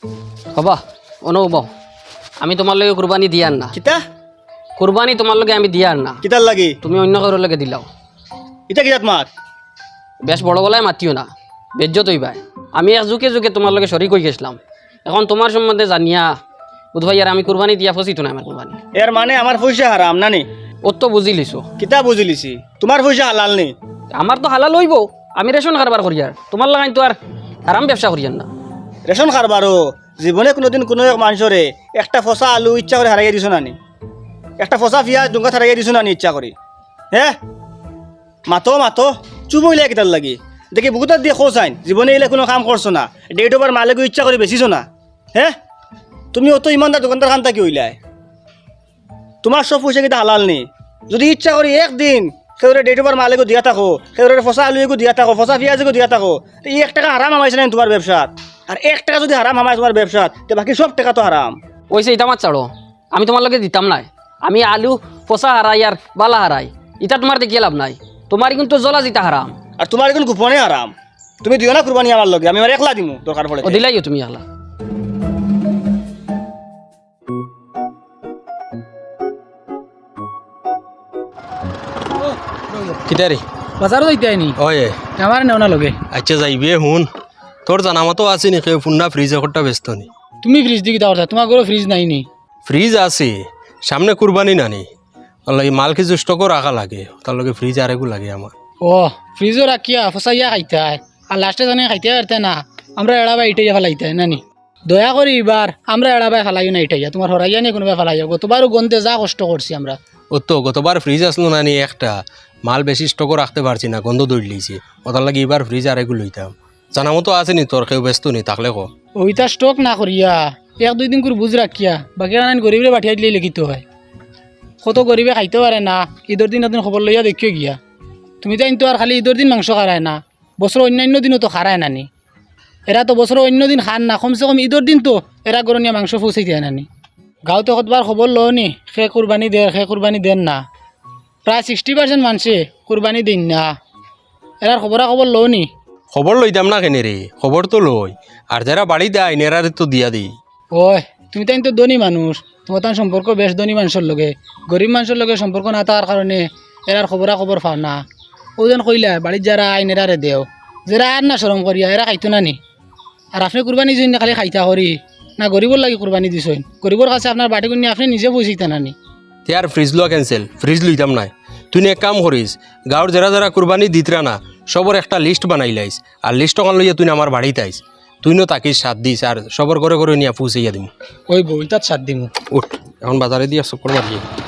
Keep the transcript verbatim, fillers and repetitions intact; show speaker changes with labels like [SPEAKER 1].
[SPEAKER 1] হবা অনুভব আমি তোমার লগে কুরবানি দিয়ার না
[SPEAKER 2] কিতা
[SPEAKER 1] কুরবানি তোমার লগে আমি দিয়ার না
[SPEAKER 2] কিতার লাগি
[SPEAKER 1] তুমি অন্য কারোর লগে দিলাও
[SPEAKER 2] ইটা কিতাত মাত
[SPEAKER 1] বেশ বড় গলায় মাতিও না বেজ্জত হইবাই আমি এক যুগে যুগে তোমার লগে শরিক হয়ে গেছিলাম এখন তোমার সম্বন্ধে জানিয়া বুধ ভাই আর আমি কুরবানি দিয়া ফসিত না আমার কুরবানি
[SPEAKER 2] এর মানে আমার পয়সা হারাম না নি
[SPEAKER 1] ও তো বুঝি লিছো
[SPEAKER 2] কিতা বুঝিলিছি তোমার পয়সা হালাল নি
[SPEAKER 1] আমার তো হালাল হইব আমি রেশন কারবার করি আর তোমার লাগাই তো আর আরাম ব্যবসা করিয়ার না
[SPEAKER 2] রেশন খারবারও জীবনে কোনোদিন কোনো এক মানুষরে একটা ফসা আলু ইচ্ছা করে হারাইয়া দিছো নানি একটা ফসা পিঁয়াজ ডুঙ্গা হারাইয়া দিছো নানি ইচ্ছা করি হে মাতো মাতো চুপ হইলে কিতার লাগি দেখি বুকুতার দিয়ে খোঁজ আইন জীবনে এলে কোনো কাম করছো না ডেট ওভার মালেগো ইচ্ছা করে বেচিছো না হে তুমি অত ইমানদার দোকানদার খান থাকি হইলাই তোমার সব পয়সা কিতা হালাল নি যদি ইচ্ছা করি একদিন সেউরে ডেট ওভার মালেগো দিয়া থাকো সেউরে ফসা আলু এগো দিয়া থাকো ফসা পিঁয়াজ এগো দিয়া থাকো এই এক টাকা হারাম আমাইছে না তোমার ব্যবসাত আর এক টাকা যদি হারাম আমায় তোমার ব্যবসাত তো বাকি সব টাকা তো হারাম
[SPEAKER 1] ওইসে এটা মাত ছাড়ো আমি তোমার লগে দিতাম নাই আমি আলু পচা হারাই আর বালা হারাই এটা তোমার দেখিয়ে লাভ নাই তোমার কিন্তু জ্বলা জিতা হারাম
[SPEAKER 2] আর তোমার এখন গোপনে হারাম তুমি দিও না কুরবানি আমার লগে আমি আমার একলা দিমু দরকার পড়ে
[SPEAKER 1] ও দিলাইও তুমি আগলা
[SPEAKER 3] কিতারে
[SPEAKER 4] বাজারও যাইতে আইনি
[SPEAKER 3] ওয়ে
[SPEAKER 4] আমার নেও না লগে
[SPEAKER 3] আচ্ছা যাইবে হুন তোর জানা মতো আছে নি কেউ ফুন্না ফ্রিজ একটা ব্যস্ত নি
[SPEAKER 4] তুমি ফ্রিজ দি কিতা কথা তোমার ঘরে ফ্রিজ নাই নি
[SPEAKER 3] ফ্রিজ আছে সামনে কুরবানি নানি ওলাই মাল কিছু স্টকও রাখা লাগে তার লগে ফ্রিজ আরেকু লাগে আমার
[SPEAKER 4] ও ফ্রিজও রাখিয়া ফসাইয়া খাইতে হয় আর লাস্টে জানে খাইতে পারতে না আমরা এড়াবাই ইটাইয়া ফেলাইতে হয় নানি দয়া করি এবার আমরা এড়াবাই ফেলাইও না ইটাইয়া তোমার হরাইয়া নিয়ে কোনোবাই ফেলাইয়া গতবারও গন্ধে যা কষ্ট করছি আমরা
[SPEAKER 3] ও তো গতবার ফ্রিজ আসলো নানি একটা মাল বেশি স্টকও রাখতে পারছি না গন্ধ দৌড় লিয়েছি ওটার লাগে এবার ফ্রিজ আরেকু লইতাম জানা মতো আছে নি তোর কেউ ব্যস্ত নি থাকলে কো
[SPEAKER 4] ওইটা স্টক না করিয়া এক দুই দিন করে বুঝ রাখিয়া বাকি আনান গরিবরে পাঠিয়ে দিলে লিখিত হয় কত গরিবে খাইতে পারে না ঈদের দিন এদিন খবর লইয়া দেখিও গিয়া তুমি তো কিন্তু আর খালি ঈদের দিন মাংস খারায় না বছর অন্যান্য দিনও তো খারায় নানি এরা তো বছর অন্য দিন খান না কমসে কম ঈদের দিন তো এরা গরনিয়া মাংস পৌঁছাই দেয় নানি গাঁৱতে কতবার খবর লো নি সে কুরবানি দেয় সে কুরবানি দেন না প্রায় সিক্সটি পার্সেন্ট মানুষে কুরবানি দিন না এরার খবরা খবর লো নি
[SPEAKER 3] খবর লইতাম না কেনে রে খবর তো লই আর যারা বাড়ি দেয় নেরারে তো দিয়া দিই
[SPEAKER 4] ওই তুমি তো কিন্তু ধনী মানুষ তোমার তো সম্পর্ক বেশ ধনী মানুষের লগে গরিব মানুষের লগে সম্পর্ক না থাকার কারণে এরার খবরা খবর পাও না ওজন কইলা বাড়ির যারা আইন এরারে দেও যারা আর না সরম করিয়া এরা খাইতো না নি আর আপনি কুরবানি দিন না খালি খাইতা করি না গরিবর লাগে কুরবানি দিছেন গরিবর কাছে আপনার বাটি কিনে আপনি নিজে পয়সা না নি
[SPEAKER 3] আর ফ্রিজ লোয়া ক্যান্সেল ফ্রিজ লইতাম নাই তুই এক কাম করিস গাঁৱৰ যারা যারা কুরবানি দিতরা না সবর একটা লিস্ট বানাই লাইস আর লিস্ট ওখান লইয়া তুই আমার বাড়িতে আইস তুই নো তাকিস সাত দিস আর সবর করে করে নিয়ে পৌঁছাইয়া দিম
[SPEAKER 4] ওই বই তার সাত দিমু
[SPEAKER 3] উঠ এখন বাজারে দিয়া চক্কর মারিয়ে